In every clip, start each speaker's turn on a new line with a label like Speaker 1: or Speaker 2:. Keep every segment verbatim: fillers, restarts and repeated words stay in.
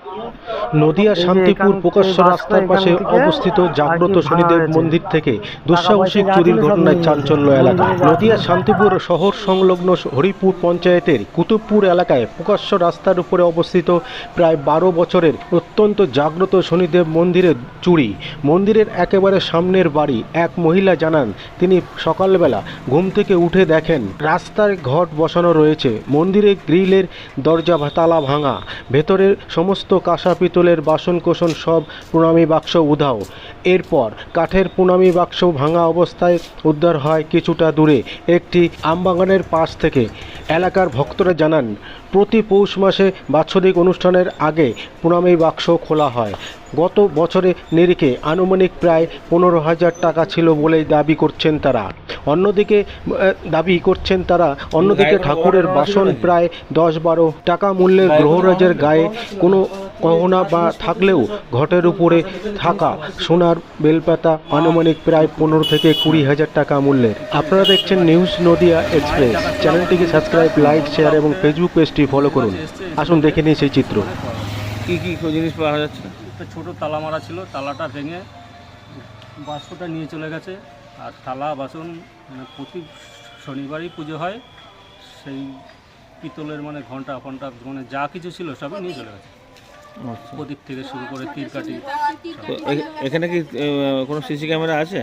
Speaker 1: নদিয়া শান্তিপুর প্রকাশ্য রাস্তার পাশে অবস্থিত জাগ্রত শনিদেব মন্দির থেকে দুঃসাহসিক চুরির ঘটনায় চাঞ্চল্য এলাকা। নদিয়া শান্তিপুর শহর সংলগ্ন হরিপুর পঞ্চায়েতের কুতুবপুর এলাকায় প্রকাশ্য রাস্তার উপরে অবস্থিত প্রায় বারো বছরের অত্যন্ত জাগ্রত শনিদেব মন্দিরে চুরি। মন্দিরের একেবারে সামনের বাড়ি এক মহিলা জানান, তিনি সকালবেলা ঘুম থেকে উঠে দেখেন রাস্তায় ঘট বসানো রয়েছে, মন্দিরে গ্রিলের দরজা তালা ভাঙা, ভেতরের সমস্ত কাঁসা পিতলের বাসন কোসন সব প্রণামী বাক্স উধাও। এরপর কাঠের প্রণামী বাক্স ভাঙা অবস্থায় উদ্ধার হয় কিছুটা দূরে একটি আমবাগানের পাশ থেকে। এলাকার ভক্তরা জানান, প্রতি পৌষ মাসে বাৎসরিক অনুষ্ঠানের আগে প্রণামী বাক্স খোলা হয়। গত বছরে নিরিখে আনুমানিক প্রায় পনেরো হাজার টাকা ছিল বলেই দাবি করছেন তারা। অন্যদিকে দাবি করছেন তারা অন্যদিকে ঠাকুরের বাসন প্রায় দশ বারো টাকা মূল্যের গ্রহরাজের গায়ে কোনো গহনা বা থাকলেও ঘটের উপরে থাকা সোনার বেলপাতা আনুমানিক প্রায় পনেরো থেকে কুড়ি হাজার টাকা মূল্যের। আপনারা দেখছেন নিউজ নদিয়া এক্সপ্রেস। চ্যানেলটিকে সাবস্ক্রাইব, লাইক, শেয়ার এবং ফেসবুক পেজটি ফলো করুন। আসুন দেখে নিই সেই চিত্র।
Speaker 2: কি কি জিনিস পাওয়া যাচ্ছে?
Speaker 3: একটা ছোটো তালা মারা ছিল, তালাটা ভেঙে বাক্সটা নিয়ে চলে গেছে। আর থালা বাসন মানে প্রতি শনিবারই পুজো হয়, সেই পিতলের মানে ঘন্টা ফন্টা মানে যা কিছু ছিল সবই নিয়ে চলে গেছে। প্রদীপ থেকে শুরু করে তীরকাঠি।
Speaker 2: তো এখানে কি কোনো সিসি ক্যামেরা আছে?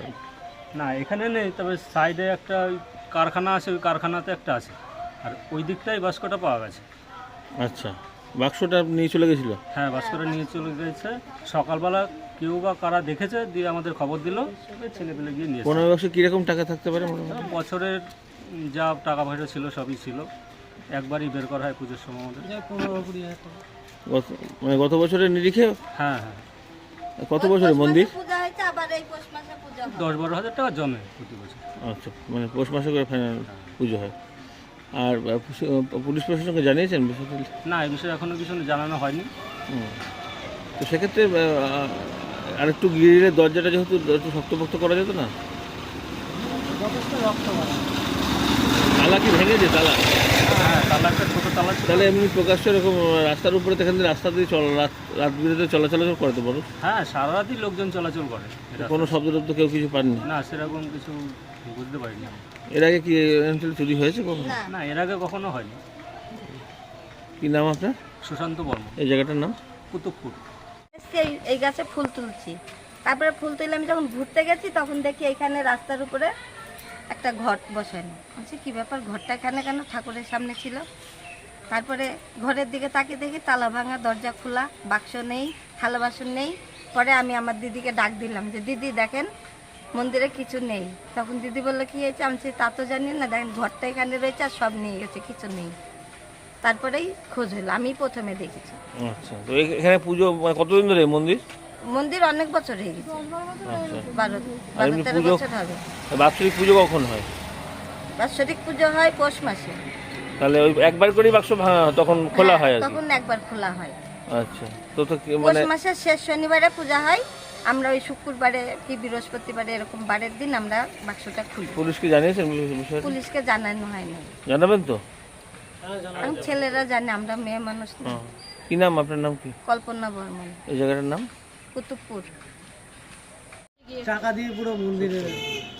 Speaker 3: না, এখানে নেই, তবে সাইডে একটা কারখানা আছে, ওই কারখানাতে একটা আছে, আর ওই দিকটাই বাস্কটা পাওয়া গেছে।
Speaker 2: আচ্ছা, বাক্সটা নিয়ে চলে গেছিলো?
Speaker 3: হ্যাঁ, বাস্কটা নিয়ে চলে গেছে। সকালবেলা কেউ বা কারা দেখেছে, দিয়ে আমাদের খবর দিল, ছেলে পেলে গিয়ে নিয়ে।
Speaker 2: পনেরো বাক্সে কীরকম টাকা থাকতে পারে?
Speaker 3: বছরের যা টাকা পয়সা ছিল সবই ছিল, একবারই বের করা হয় পুজোর সময় আমাদের। পনেরো কুড়ি হাজার টাকা
Speaker 2: মানে গত বছরের নিরিখে?
Speaker 3: হ্যাঁ হ্যাঁ।
Speaker 2: কত বছরের মন্দির?
Speaker 3: দশ বারো হাজার টাকা জমে প্রতি বছর।
Speaker 2: আচ্ছা, মানে পৌষ মাসে করে ফাইনাল পুজো হয়। আর পুলিশ প্রশাসনকে জানিয়েছেন বিষয়টা?
Speaker 3: না, এই বিষয়ে এখনও কিছু জানানো হয়নি।
Speaker 2: তো সেক্ষেত্রে আরেকটু গ্রিলের দরজাটা যেহেতু একটু শক্তপোক্ত করা যেত না? তালা কি ভেঙেছে? তালা?
Speaker 3: হ্যাঁ, তালা একটা ছোটো তালা।
Speaker 2: তাহলে এমনি প্রকাশ্য এরকম রাস্তার উপরে তো এখান থেকে রাস্তা দিয়ে চল রাত রাত বিরেতে চলাচল করতে পারো?
Speaker 3: হ্যাঁ, সারা রাতই লোকজন চলাচল করে।
Speaker 2: কোনো শব্দ টব্দ কেউ কিছু পাননি?
Speaker 3: না, সেরকম কিছু বুঝতে পারিনি।
Speaker 2: এর আগে কি চুরি হয়েছে কখনো?
Speaker 3: না, এর আগে কখনো হয়নি।
Speaker 2: কি নাম আপনার?
Speaker 3: সুশান্ত বর্মা।
Speaker 2: এই জায়গাটার নাম?
Speaker 3: কুতুবপুর।
Speaker 4: এই এই গাছে ফুল তুলছি, তারপরে ফুল তুলে আমি যখন ঘুরতে গেছি তখন দেখি এখানে রাস্তার উপরে একটা ঘট বসানো আছে। কি ব্যাপার, ঘরটা এখানে কেন? ঠাকুরের সামনে ছিল। তারপরে ঘরের দিকে তাকিয়ে দেখি তালা ভাঙা, দরজা খোলা, বাক্স নেই, থালা বাসন নেই। পরে আমি আমার দিদিকে ডাক দিলাম যে দিদি দেখেন মন্দিরে কিছু নেই। তখন দিদি বললো কি হয়েছে? আমি তা তো জানি না, দেখেন ঘরটা এখানে রয়েছে আর সব নিয়ে গেছে, কিছু নেই। তারপরেই খোঁজ হলো, আমি প্রথমে দেখেছি।
Speaker 2: আচ্ছা, তো এখানে পুজো কতদিন ধরে মন্দির?
Speaker 4: মন্দির অনেক বছর হয়ে গেছে, বারো
Speaker 2: আর
Speaker 4: বারো তেরো বছর হবে।
Speaker 2: বাৎসরিক পুজো কখন হয়?
Speaker 4: বাৎসরিক পুজো হয় পৌষ মাসে।
Speaker 2: তাহলে ওই একবার করেই বাক্স তখন খোলা হয়?
Speaker 4: তখন একবার খোলা হয়।
Speaker 2: আচ্ছা, তো তো
Speaker 4: পৌষ মাসের শেষ শনিবারে পূজা হয়। আমরা ওই শুক্রবারে কি বৃহস্পতিবারে এরকম বারের দিন আমরা বাক্সটা খুলি।
Speaker 2: পুলিশকে জানিয়েছেন?
Speaker 4: পুলিশকে জানানো হয়নি।
Speaker 2: জানাবেন তো?
Speaker 4: ছেলেরা জানে, আমরা মেয়ে মানুষ না।
Speaker 2: কি নাম আপনার? নাম কি?
Speaker 4: কল্পনা বর্মন।
Speaker 2: এই জায়গাটার নাম?
Speaker 4: কুতুবপুর।
Speaker 5: টাকা দিয়ে পুরো মন্দিরে